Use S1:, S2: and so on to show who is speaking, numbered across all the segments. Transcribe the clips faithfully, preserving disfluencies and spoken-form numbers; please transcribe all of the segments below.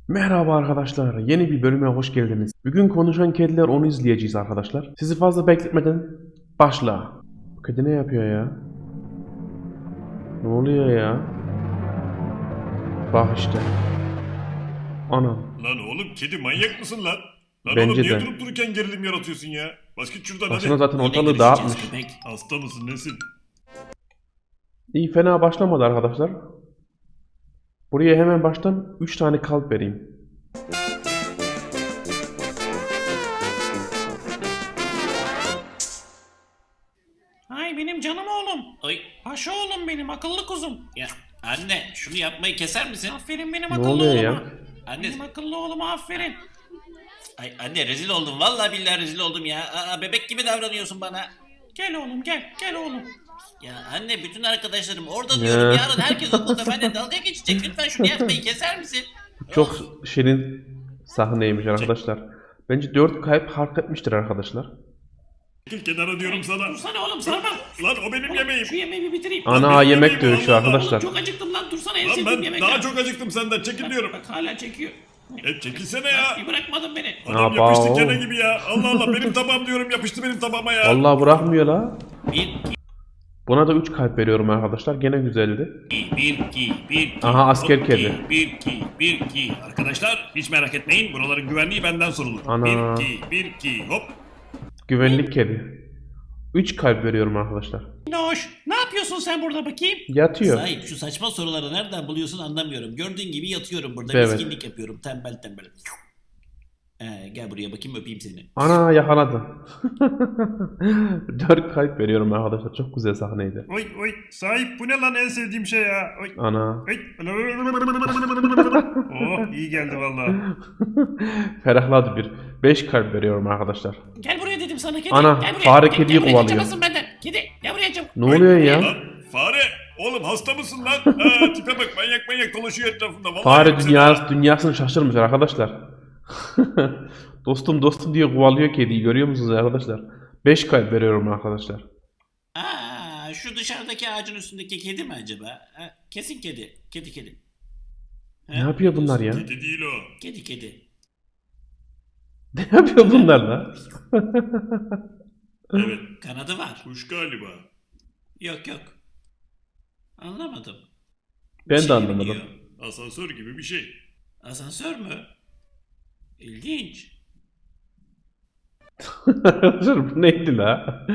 S1: Merhaba arkadaşlar, yeni bir bölüme hoş geldiniz. Bugün konuşan kediler onu izleyeceğiz arkadaşlar. Sizi fazla bekletmeden başla. Bu kedi ne yapıyor ya? Ne oluyor ya? Bak işte. Ana.
S2: Lan oğlum kedi manyak mısın lan? Lan
S1: Bence
S2: oğlum niye
S1: de.
S2: durup dururken gerilim yaratıyorsun ya? Bas git şuradan
S1: Baksana
S2: hadi.
S1: zaten
S3: Yine
S1: ortalığı
S3: görüşeceğiz
S1: dağıtmış.
S3: köpek.
S2: Hasta mısın nesin?
S1: İyi fena başlamadı arkadaşlar. Buraya hemen baştan üç tane kalp vereyim.
S3: Ay benim canım oğlum. Ay paşa oğlum benim akıllı kuzum. Ya anne şunu yapmayı keser misin? Aferin benim
S1: Ne
S3: akıllı
S1: oluyor
S3: oğluma.
S1: ya?
S3: Anne. Benim akıllı oğluma aferin. Ay anne rezil oldum. Vallahi billahi rezil oldum ya. Aa, bebek gibi davranıyorsun bana. Gel oğlum gel. Gel oğlum. Ya anne bütün arkadaşlarım orada diyorum.
S1: Ya.
S3: Yarın herkes okulda benimle dalga geçecek. Lütfen şunu yapmayı keser misin?
S1: Çok şirin sahneymiş arkadaşlar. Bence dört kalp hak etmiştir arkadaşlar.
S2: Çekil kenara diyorum sana.
S3: Dursana oğlum sarmam.
S2: Lan o benim yemeğim.
S3: Şu yemeği bir bitireyim.
S1: Ana
S2: benim
S1: yemek
S2: yemeğim
S1: dövüşü
S2: Allah Allah.
S1: arkadaşlar.
S3: Çok acıktım lan dursana en
S2: Lan
S3: sevdiğim
S2: ben
S3: yemek.
S2: daha
S3: ya.
S2: çok acıktım senden çekil diyorum.
S3: Bak hala çekiyor.
S2: E çekilsene ya.
S3: Bir bırakmadın beni.
S2: Adam
S1: Aba,
S2: yapıştı
S1: o.
S2: kene gibi ya. Allah Allah benim tabağım diyorum yapıştı benim tabağıma ya.
S1: Vallahi bırakmıyor la.
S3: Bir,
S1: Buna da üç kalp veriyorum arkadaşlar. Gene güzeldi.
S3: iki, bir, iki, bir, iki.
S1: Aha asker
S2: Hop,
S1: kedi.
S2: Bir, iki, bir, iki. Arkadaşlar hiç merak etmeyin. Buraların güvenliği benden sorulur.
S1: Ana.
S2: Bir, iki, bir, iki. Hop.
S1: Güvenlik kedi. üç kalp veriyorum arkadaşlar.
S3: Noş, ne yapıyorsun sen burada bakayım?
S1: Yatıyor.
S4: Sahip şu saçma soruları nereden buluyorsun anlamıyorum. Gördüğün gibi yatıyorum burada
S1: Evet.
S4: miskinlik yapıyorum tembel tembel. Ee, gel buraya bakayım öpeyim seni.
S1: Ana yakaladı. dört kalp veriyorum arkadaşlar. Çok güzel sahneydi.
S2: Oy oy sahip bu ne lan en sevdiğim şey ya. Oy.
S1: Ana.
S2: Oy. Oh iyi geldi vallahi.
S1: Ferahladı bir. beş kalp veriyorum arkadaşlar.
S3: Gel buraya dedim sana kedi.
S1: Ana,
S3: gel buraya.
S1: fare
S3: Gel-
S1: kediyi
S3: gel buraya,
S1: kovalıyor.
S3: kaçamazsın benden. Kedi, gel buraya çabuk.
S1: Ne oluyor ya?
S2: Lan fare oğlum hasta mısın lan? Ha, tipe bak manyak manyak dolaşıyor etrafında. Vallahi
S1: Fare
S2: yoksa-
S1: dünyası, dünyasını şaşırmış arkadaşlar. dostum dostum diye kovalıyor kediyi. Görüyor musunuz arkadaşlar? beş kalp veriyorum arkadaşlar.
S4: Aa, şu dışarıdaki ağacın üstündeki kedi mi acaba? Ha, kesin kedi. Kedi kedi.
S1: Ne yapıyor bunlar ya?
S2: Kedi değil o.
S4: Kedi kedi.
S1: Ne yapıyor bunlar la?
S2: Evet
S4: Kanadı var.
S2: kuş galiba.
S4: Yok yok. Anlamadım.
S1: Ben
S4: Bir
S1: de
S4: şey
S1: anlamadım.
S4: biliyor.
S2: Asansör gibi bir şey.
S4: Asansör mü? İlginç.
S1: Arkadaşlar bu neydi la?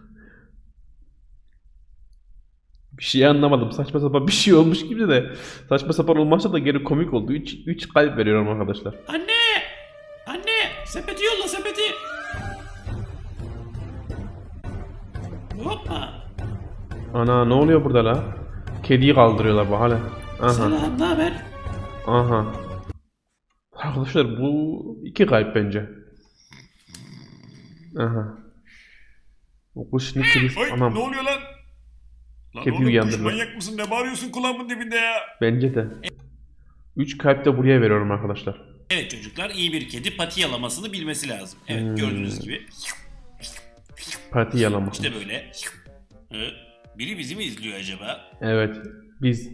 S1: Bir şey anlamadım. Saçma sapan bir şey olmuş gibi de. Saçma sapan olmazsa da geri komik oldu. üç kalp veriyorum arkadaşlar.
S3: Anne! Anne! Sepeti yolla sepeti. Hoppa.
S1: Ana ne oluyor burada la? Kediyi kaldırıyorlar bu hala. Aha.
S3: Selam, ne haber?
S1: Aha. Arkadaşlar bu iki kalp bence. Aha. O kuş ne kedisi?
S2: Oy
S1: Anam.
S2: ne oluyor lan? Lan
S1: Kedi
S2: oğlum kuş
S1: uyandırdı.
S2: manyak mısın? Ne bağırıyorsun kulağımın dibinde ya?
S1: Bence de. üç kalp de buraya veriyorum arkadaşlar.
S4: Evet çocuklar iyi bir kedi pati yalamasını bilmesi lazım. Evet
S1: Hmm.
S4: gördüğünüz gibi.
S1: Parti yalama.
S4: İşte böyle. Hı? Biri bizi mi izliyor acaba?
S1: Evet. Biz.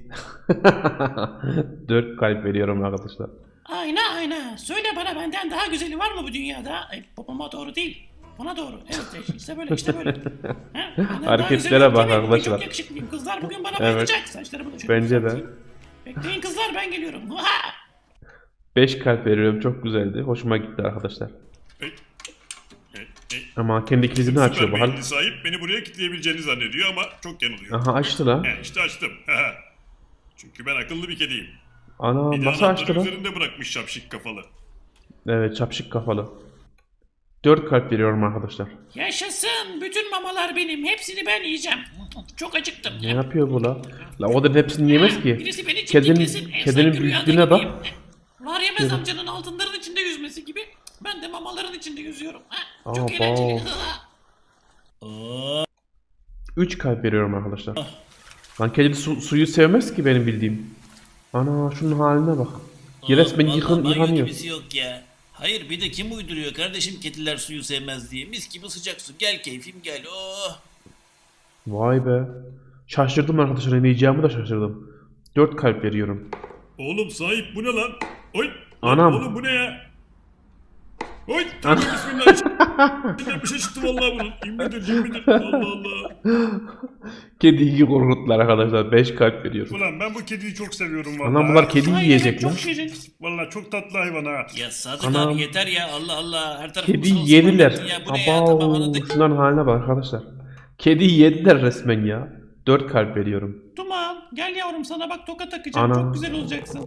S1: dört kalp veriyorum arkadaşlar.
S3: Ayna ayna. Söyle bana benden daha güzeli var mı bu dünyada? Ay, popoma doğru değil. Bana doğru. Evet işte böyle işte böyle. Ha, benden daha
S1: Hareketlere
S3: güzeli yok
S1: bak
S3: değil mi? Bugün
S1: arkadaşlar.
S3: Çok yakışıklıyım. Kızlar bugün bana
S1: Evet.
S3: bayılacak. Saçlarımı da şöyle
S1: Bence de.
S3: düzelteyim. Bekleyin kızlar ben geliyorum. Ha!
S1: beş kalp veriyorum. Çok güzeldi. Hoşuma gitti arkadaşlar.
S2: Ey, ey, ey.
S1: Ama kendi kilidini açıyor bu
S2: Süper
S1: hal.
S2: beyinli sahip beni buraya kilitleyebileceğini zannediyor ama çok yanılıyor.
S1: Aha açtı la.
S2: He işte açtım. Çünkü ben akıllı bir kediyim.
S1: Ana
S2: Bir de
S1: nasıl açtı
S2: anahtarı
S1: la?
S2: üzerinde bırakmış şapşik kafalı.
S1: Evet çapşık kafalı. dört kalp veriyorum arkadaşlar.
S3: Yaşasın. Bütün mamalar benim. Hepsini ben yiyeceğim. Çok acıktım.
S1: Ne yapıyor bu la? La o da hepsini yemez ki.
S3: Birisi beni
S1: Kedinin,
S3: çimdiklesin.
S1: kedinin
S3: Efsane rüyada
S1: büyüklüğüne bak.
S3: gibiyim. Var yemez amcanın altınların içinde yüzmesi gibi. Ben de mamaların içinde yüzüyorum. Ha, çok
S1: Aa,
S3: eğlenceli.
S4: Oo,
S1: üç kalp veriyorum arkadaşlar. Lan kedi su- suyu sevmez ki benim bildiğim. Ana şunun haline bak. Resmen
S4: vallahi
S1: yıkın,
S4: banyo
S1: yıkanıyor.
S4: gibisi yok ya. Hayır bir de kim uyduruyor kardeşim kediler suyu sevmez diye. Mis gibi sıcak su. Gel keyfim gel. Oh.
S1: Vay be. Şaşırdım arkadaşlar. Ne diyeceğimi de şaşırdım. dört kalp veriyorum.
S2: Oğlum sahip bu ne lan? Oy
S1: Anam.
S2: Oğlum bu ne ya? Oy tövbe bismillah. İçinden bir şey çıktı vallahi bunun. İmmidir cimmidir. Allah Allah.
S1: Kediyi korkuttular arkadaşlar. beş kalp veriyor.
S2: Ulan ben bu kediyi çok seviyorum vallahi.
S1: Anam bunlar kedi
S3: Ay,
S1: yiyecek
S3: evet,
S1: lan.
S3: çok şirin.
S2: Vallahi çok tatlı hayvan ha.
S3: Ya Sadık
S1: Anam.
S3: abi yeter ya Allah Allah. Her tarafımız
S1: Kedi
S3: olsun
S1: yediler.
S3: anladın ya. Bu ne ya tamam
S1: Aba
S3: anladık.
S1: şunların haline bak arkadaşlar. Kedi yediler resmen ya. dört kalp veriyorum.
S3: Duman gel yavrum sana bak toka takacağım.
S1: Ana.
S3: Çok güzel olacaksın.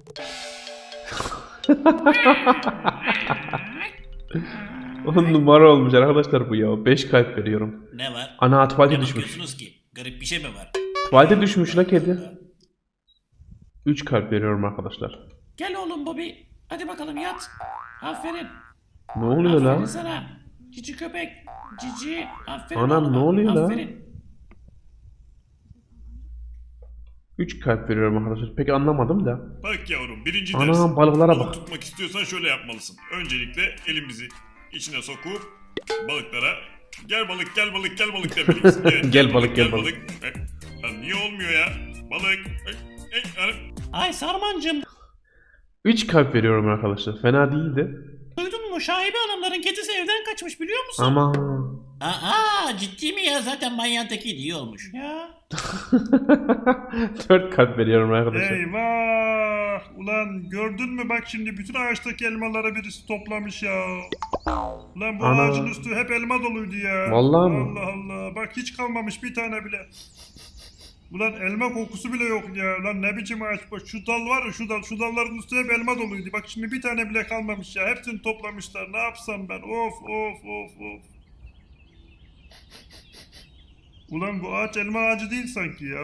S1: On numara olmuş arkadaşlar bu ya. beş kalp veriyorum.
S3: Ne var?
S1: Ana tuvalete
S3: Ne
S1: düşmüş.
S3: bakıyorsunuz ki? Garip bir şey mi var?
S1: Tuvalete düşmüş la kedi. üç kalp veriyorum arkadaşlar.
S3: Gel oğlum Bobby. Hadi bakalım yat. Aferin.
S1: Ne oluyor
S3: Aferin
S1: la?
S3: sana. Cici köpek. Cici. Aferin
S1: Anam,
S3: oğluma.
S1: ne oluyor la?
S3: Aferin.
S1: üç kalp veriyorum arkadaşlar. Pek anlamadım da.
S2: Bak yavrum birinci
S1: Ana,
S2: ders.
S1: balıklara
S2: Balık
S1: bak.
S2: tutmak istiyorsan şöyle yapmalısın. Öncelikle elimizi içine sokup balıklara gel balık gel balık gel balık demelisin. Evet,
S1: Gel balık, gel
S2: E, lan niye olmuyor ya? Balık. E, e, e.
S3: Ay Sarmancığım.
S1: üç kalp veriyorum arkadaşlar. Fena değildi.
S3: Duydun mu? Şahibe hanımların kedisi evden kaçmış biliyor musun?
S1: Ama
S3: Aa ciddi mi ya? Zaten manyağın tekiydi iyi olmuş. Ya.
S1: dört kalp veriyorum arkadaşlar.
S2: Eyvah! Ulan gördün mü bak şimdi bütün ağaçtaki elmaları birisi toplamış ya. Ulan bu
S1: Ana.
S2: ağacın üstü hep elma doluydu ya.
S1: Vallahi mi?
S2: Allah Allah. Bak hiç kalmamış bir tane bile. Ulan elma kokusu bile yok ya. Lan ne biçim ağaç bu? Şu dal var ya şu dal. Şu dalların üstü hep elma doluydu. Bak şimdi bir tane bile kalmamış ya. Hepsini toplamışlar. Ne yapsam ben? Of of of of. Ulan bu ağaç elma ağacı değil sanki ya.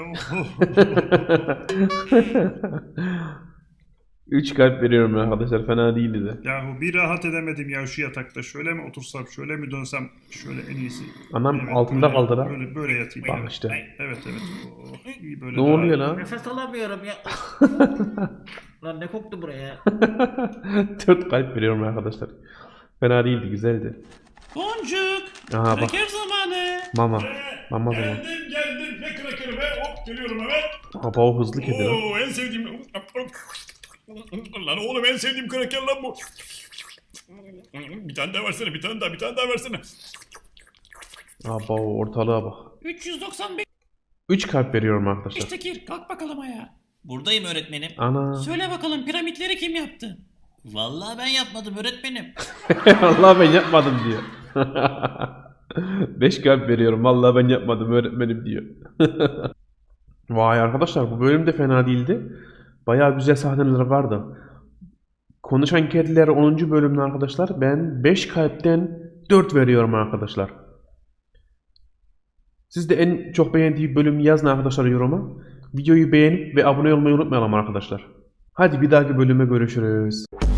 S1: üç kalp veriyorum arkadaşlar. Fena değildi de.
S2: Yahu bir rahat edemedim ya şu yatakta. Şöyle mi otursam, şöyle mi dönsem, şöyle en iyisi.
S1: Anam
S2: Evet,
S1: altında
S2: böyle,
S1: kaldı la.
S2: Böyle, böyle yatayım.
S1: Bak
S2: evet.
S1: işte.
S2: Evet evet. Oh, iyi böyle
S1: Ne
S2: daha
S1: oluyor
S2: iyi.
S1: lan?
S3: Nefes alamıyorum ya. Lan ne koktu buraya?
S1: dört kalp veriyorum arkadaşlar. Fena değildi, güzeldi.
S3: Boncuk.
S1: Aha bak.
S3: Kraker zamanı.
S1: Mama. Mama zaman.
S2: Geldim geldim. Ne krakeri be. Hop geliyorum hemen.
S1: Aba o hızlı kedi lan.
S2: Oo en sevdiğim. Lan oğlum en sevdiğim kraker lan bu. Bir tane daha versene, bir tane daha, bir tane daha versene.
S1: Aba o ortalığa bak.
S3: üç yüz doksan beş
S1: üç kalp veriyorum arkadaşlar.
S3: Tekir kalk bakalım ayağa. Buradayım öğretmenim.
S1: Ana.
S3: Söyle bakalım piramitleri kim yaptı? Vallahi ben yapmadım öğretmenim.
S1: Allah ben yapmadım diyor. beş kalp veriyorum. Vallahi ben yapmadım öğretmenim diyor. Vay arkadaşlar bu bölüm de fena değildi. Bayağı güzel sahneler vardı. Konuşan Kediler onuncu bölümde arkadaşlar ben beş kalpten dört veriyorum arkadaşlar. Siz de en çok beğendiği bölümü yazın arkadaşlar yoruma. Videoyu beğenip ve abone olmayı unutmayalım arkadaşlar. Hadi bir dahaki bölüme görüşürüz.